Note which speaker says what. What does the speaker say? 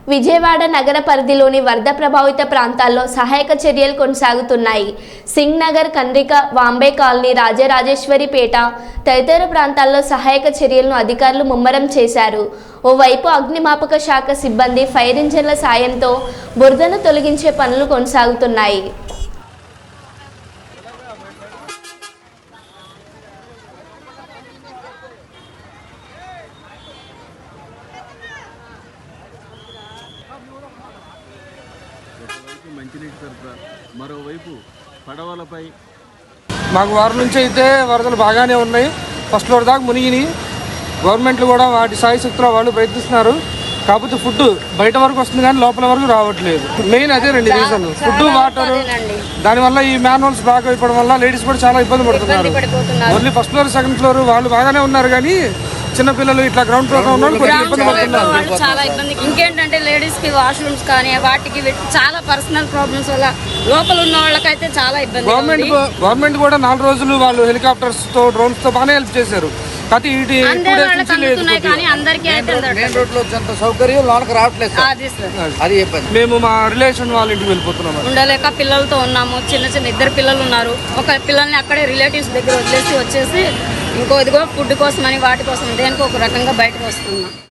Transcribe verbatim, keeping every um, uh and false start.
Speaker 1: విజయవాడ నగర పరిధిలోని వరద ప్రభావిత ప్రాంతాల్లో సహాయక చర్యలు కొనసాగుతున్నాయి. సింగ్ నగర్, కండ్రిక, వాంబే కాలనీ, రాజరాజేశ్వరిపేట తదితర ప్రాంతాల్లో సహాయక చర్యలను అధికారులు ముమ్మరం చేశారు. ఓవైపు అగ్నిమాపక శాఖ సిబ్బంది ఫైర్ ఇంజన్ల సాయంతో బురదను తొలగించే పనులు కొనసాగుతున్నాయి.
Speaker 2: మంచినీటి సరఫరా, మరోవైపు పడవలపై
Speaker 3: మాకు వారం నుంచి అయితే వరదలు బాగానే ఉన్నాయి. ఫస్ట్ ఫ్లోర్ దాకా మునిగినాయి. గవర్నమెంట్లు కూడా వాటి సాయశక్తిలో వాళ్ళు ప్రయత్నిస్తున్నారు. కాకపోతే ఫుడ్ బయట వరకు వస్తుంది కానీ లోపల వరకు రావట్లేదు. మెయిన్ అదే రెండు రీజన్, ఫుడ్, వాటర్. దానివల్ల ఈ మ్యాన్హోల్స్ బాగా అయిపోవడం వల్ల లేడీస్ కూడా చాలా ఇబ్బంది పడుతున్నారు. Only first floor, second floor వాళ్ళు బాగానే ఉన్నారు కానీ చిన్నపిల్లలు ఇట్లా గ్రౌండ్ ఫ్లోర్ లో ఉన్న కొంచెం ఇబ్బంది పడుతున్నారు.
Speaker 4: చాలా ఇబ్బంది. ఇంకేంటంటే లేడీస్ కి వాష్రూమ్స్ కానీ వాటికి చాలా పర్సనల్ ప్రాబ్లమ్స్ వల్ల లోపల ఉన్న వాళ్ళకైతే చాలా ఇబ్బంది.
Speaker 3: గవర్నమెంట్ గవర్నమెంట్ కూడా నాలుగు రోజులు వాళ్ళు హెలికాప్టర్స్ తో, డ్రోన్స్ తో బాగానే హెల్ప్ చేశారు. మేము మా రిలేషన్ వాళ్ళ ఇంటికి వెళ్ళిపోతున్నాం.
Speaker 4: ఉండలేక పిల్లలతో ఉన్నాము. చిన్న చిన్న ఇద్దరు పిల్లలు ఉన్నారు. ఒక పిల్లల్ని అక్కడే రిలేటివ్స్ దగ్గర వదిలేసి వచ్చేసి ఇంకో ఇదిగో ఫుడ్ కోసం అని వాటి కోసం దేనికి ఒక రకంగా బయటకు వస్తున్నాం.